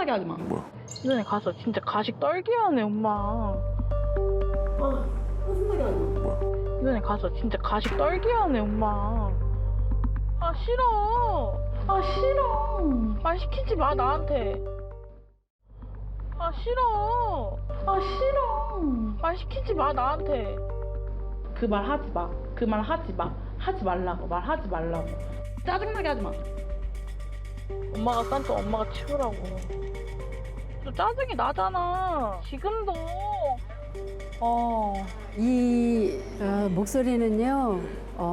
짜증나게 하지 마. 뭐야? 눈에 가서 진짜 가식 떨게 하네 엄마. 짜증나게 하지 마. 뭐야? 눈에 가서 진짜 가식 떨게 하네 엄마. 아 싫어. 아 싫어. 말 시키지 마 나한테. 아 싫어. 아 싫어. 말 시키지 마 나한테. 그 말 하지 마. 그 말 하지 마. 하지 말라고. 말하지 말라고. 짜증나게 하지 마. 엄마가 싼 또 엄마가 치우라고. 또 짜증이 나잖아. 지금도. 이 목소리는요,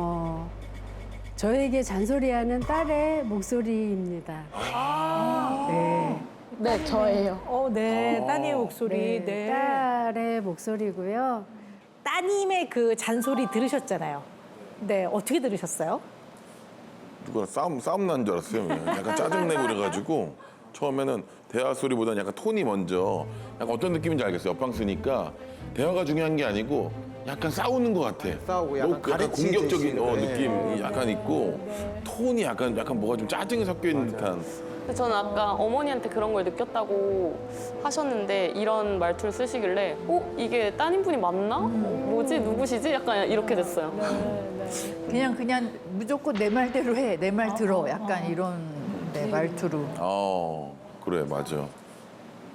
저에게 잔소리하는 딸의 목소리입니다. 네. 네 저예요. 네, 따님의 목소리. 네. 딸의 목소리고요. 따님의 그 잔소리 들으셨잖아요. 네, 어떻게 들으셨어요? 누가 싸움 난 줄 알았어요. 약간 짜증내고 그래가지고 처음에는 대화 소리보다는 약간 톤이 먼저 약간 어떤 느낌인지 알겠어요. 옆방 쓰니까 대화가 중요한 게 아니고 약간 싸우는 것 같아. 싸우고 약간 가르치듯이. 공격적인 네. 느낌이 약간 있고 톤이 약간 뭐가 좀 짜증이 섞여 있는 듯한. 근데 저는 아까 어머니한테 그런 걸 느꼈다고 하셨는데 이런 말투를 쓰시길래 이게 따님분이 맞나? 뭐지? 누구시지? 약간 이렇게 됐어요. 그냥 무조건 내 말대로 해. 내 말 들어. 약간 이런 말투로. 그래 맞아.